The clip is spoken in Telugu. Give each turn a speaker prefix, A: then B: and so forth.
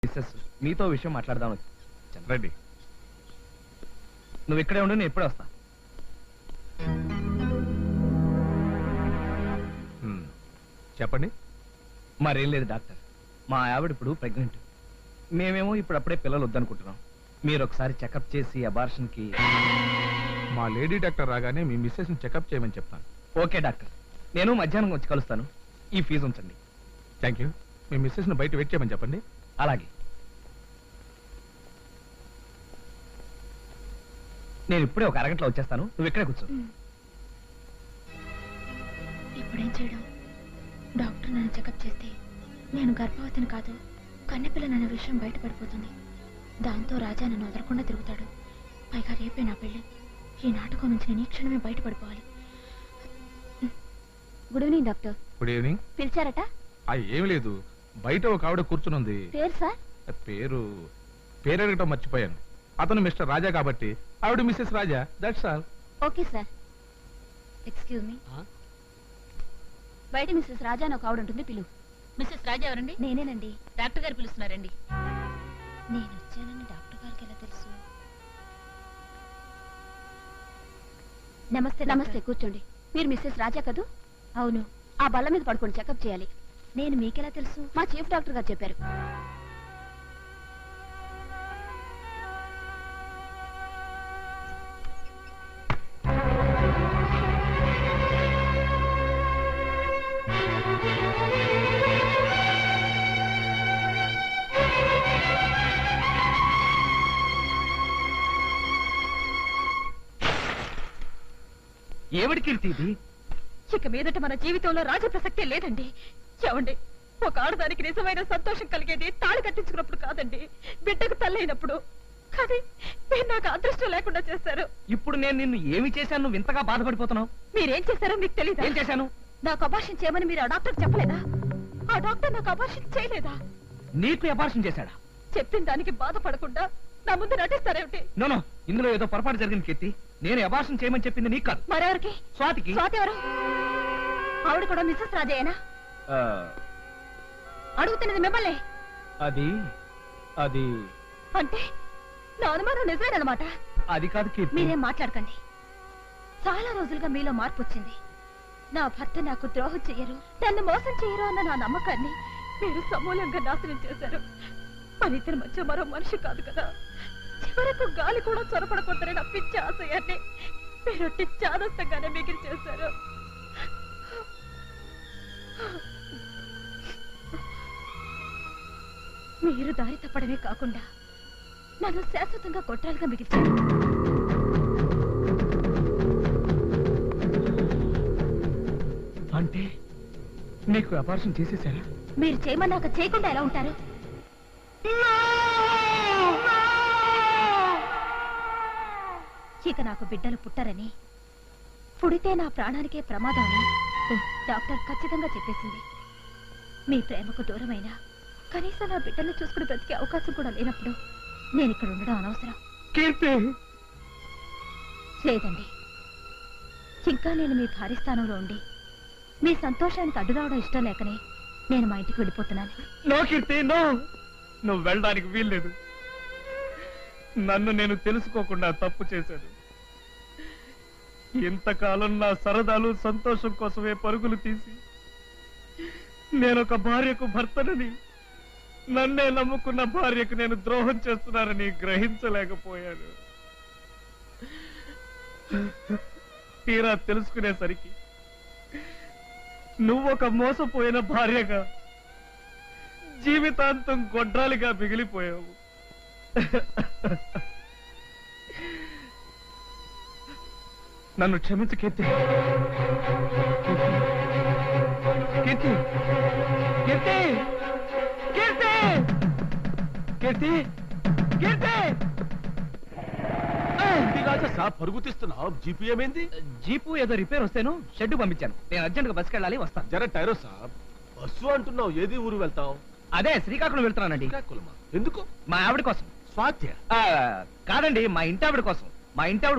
A: మిస్సెస్ మీతో విషయం మాట్లాడదాం
B: రండి.
A: నువ్వు ఇక్కడే ఉండు, నేను ఎప్పుడే వస్తా.
B: చెప్పండి.
A: మరేం లేదు డాక్టర్, మా ఆవిడ ఇప్పుడు ప్రెగ్నెంట్. మేమేమో ఇప్పుడు అప్పుడే పిల్లలు వద్దనుకుంటున్నాం. మీరు ఒకసారి చెకప్ చేసి అబార్షన్ కి.
B: మా లేడీ డాక్టర్ రాగానే మీ మిస్సెస్ ని చెకప్ చేయమని చెప్తాను.
A: ఓకే డాక్టర్, నేను మధ్యాహ్నం వచ్చి కలుస్తాను. ఈ ఫీజు ఉంచండి.
B: Thank you. మీ మిస్సెస్ ని బయట వెయిట్ చేయమని చెప్పండి.
A: అలాగే. నేను ఇప్పుడే ఒక అరగంటలో వచ్చేస్తాను, నువ్వు ఇక్కడే కూర్చో.
C: ఇప్పుడేం చేయడం? డాక్టర్ నన్ను చెకప్ చేస్తే నేను గర్భవతిని కాదు, కన్నెపిల్లనన్న విషయం బయటపడిపోతుంది. దాంతో రాజా నన్ను వదలకుండా తిరుగుతాడు. పైగా రేపే నా పెళ్లి. ఈ నాటకం నుంచి నేను ఈ క్షణమే బయటపడిపోవాలి. Good evening doctor.
B: Good evening.
C: పిలిచారట?
B: ఏం లేదు, బయట ఒక ఆవిడ కూర్చునుంది.
C: పేరు సార్?
B: పేరు అడగటం మర్చిపోయాను. అతను మిస్టర్ రాజా కాబట్టి ఆవిడ Mrs Raja. That's all.
C: Okay sir. Excuse me, బయట మిస్సెస్ రాజా అని ఒక ఆవిడ ఉంటుంది, పిలువు.
D: మిస్సెస్ రాజా ఎవరండి?
C: నేనేనండి.
D: డాక్టర్ గారు పిలుస్తున్నారండి.
C: నేను వచ్చానని డాక్టర్ గారికి ఎలా తెలుసు? నమస్తే. నమస్తే, కూర్చోండి. మీరు మిస్సెస్ రాజా కదూ? అవును. ఆ బల్ల మీద పడుకొని చెకప్ చేయాలి. నేను మీకెలా తెలుసు? మా చీఫ్ డాక్టర్ గారు చెప్పారు.
A: ఏమిటి కీర్తి ఇది?
D: ఇక మీదట మన జీవితంలో రాజ ప్రసక్తే లేదండి. ఏమండి, ఒక ఆడదానికి నిజమైన సంతోషం కలిగేది తాళి కట్టించుకున్నప్పుడు కాదండి, బిడ్డకు తల్లైనప్పుడు. కానీ మీరు నాకు అదృష్టం లేకుండా చేశారు.
A: ఇప్పుడు నేను నిన్ను ఏమి చేశాను నువ్వు ఇంతగా బాధపడిపోతున్నావు?
D: మీరేం చేశారో మీకు తెలియదు.
A: ఏం చేశాను?
D: నాకు అబార్షన్ చేయమని మీరు ఆ డాక్టర్ చెప్పలేదా? ఆ డాక్టర్ నాకు అబార్షన్ చేయలేదా?
A: నీకు అబార్షన్ చేశాడా?
D: చెప్పిన దానికి బాధపడకుండా నా ముందు నటిస్తారేమిటి?
A: నో, ఇందులో ఏదో పొరపాటు జరిగింది కీర్తి. నేను అబార్షన్ చేయమని చెప్పింది నీకు కాదు,
D: మరెవరికి?
A: స్వాతికి.
D: స్వాతి ఎవరు? ఆవిడ కూడా మిస్సెస్ రాజేనా? అడుగుతున్నది మిమ్మల్ని.
A: అది అది
D: అంటే నా అనుమానం నిజమేనమాట.
A: అది కాదు కీర్తి.
D: మీరేం మాట్లాడకండి. చాలా రోజులుగా మీలో మార్పు వచ్చింది. నా భర్త నాకు ద్రోహం చెయ్యరు, నన్ను మోసం చెయ్యరు అన్న నా నమ్మకాన్ని మీరు సమూలంగా నాశనం చేశారు. మన ఇద్దరి మధ్య మరో మనిషి కాదు కదా. చివరకు గాలి కూడా చొరపడకూడదని నా పిచ్చి ఆశయాన్ని మీరు చాదస్తంగానే మిగిలి చేశారు. మీరు దారి తప్పడమే కాకుండా నన్ను శాశ్వతంగా కొట్టాలుగా మిగిల్చారు.
A: అంటే నీకు అబార్షన్ చేసేసారా?
D: మీరు చేయమన్నాక చేయకుండా ఎలా ఉంటారు? ఇక నాకు బిడ్డలు పుట్టరని, పుడితే నా ప్రాణానికే ప్రమాదం అని డాక్టర్ ఖచ్చితంగా చెప్పేసింది. మీ ప్రేమకు దూరమైనా కనీసం నా బిడ్డల్ని చూసుకుని బ్రతికే అవకాశం కూడా లేనప్పుడు నేను ఇక్కడ ఉండడం అనవసరం. లేదండి, ఇంకా నేను మీ భారీ స్థానంలో ఉండి మీ సంతోషానికి అడ్డు రావడం ఇష్టం లేకనే నేను మా ఇంటికి వెళ్ళిపోతున్నాను.
A: No Keerthi, no. నువ్వు వెళ్ళడానికి వీల్లేదు. నన్ను నేను తెలుసుకోకుండా తప్పు చేశాను. ఇంతకాలం నా సరదాలు సంతోషం కోసమే పరుగులు తీసి నేనొక భార్యకు భర్తనని, నన్నే నమ్ముకున్న భార్యకు నేను ద్రోహం చేస్తున్నానని గ్రహించలేకపోయాను. తీరా తెలుసుకునేసరికి నువ్వొక మోసపోయిన భార్యగా జీవితాంతం గొడ్రాలిగా మిగిలిపోయావు. నన్ను క్షమించు కీర్తి. కీర్తి, కీర్తి, కీర్తి, కీర్తి, కీర్తి.
E: పరుగు తీస్తున్నావు. జీపీ ఏమైంది?
A: జీపు ఏదో రిపేర్ వస్తేను షెడ్ పంపించాను. నేను అర్జెంట్గా బస్కి వెళ్ళాలి, వస్తాను.
E: జర టైరో సాబ్. బస్సు అంటున్నావు, ఏది ఊరు వెళ్తావు?
A: అదే శ్రీకాకుళం వెళ్తున్నానండి.
E: శ్రీకాకుళమా? ఎందుకు?
A: మా ఆవిడ కోసం.
E: స్వాత్య?
A: కాదండి, మా ఇంటి ఆవిడ కోసం. మా ఇంటి ఆవిడ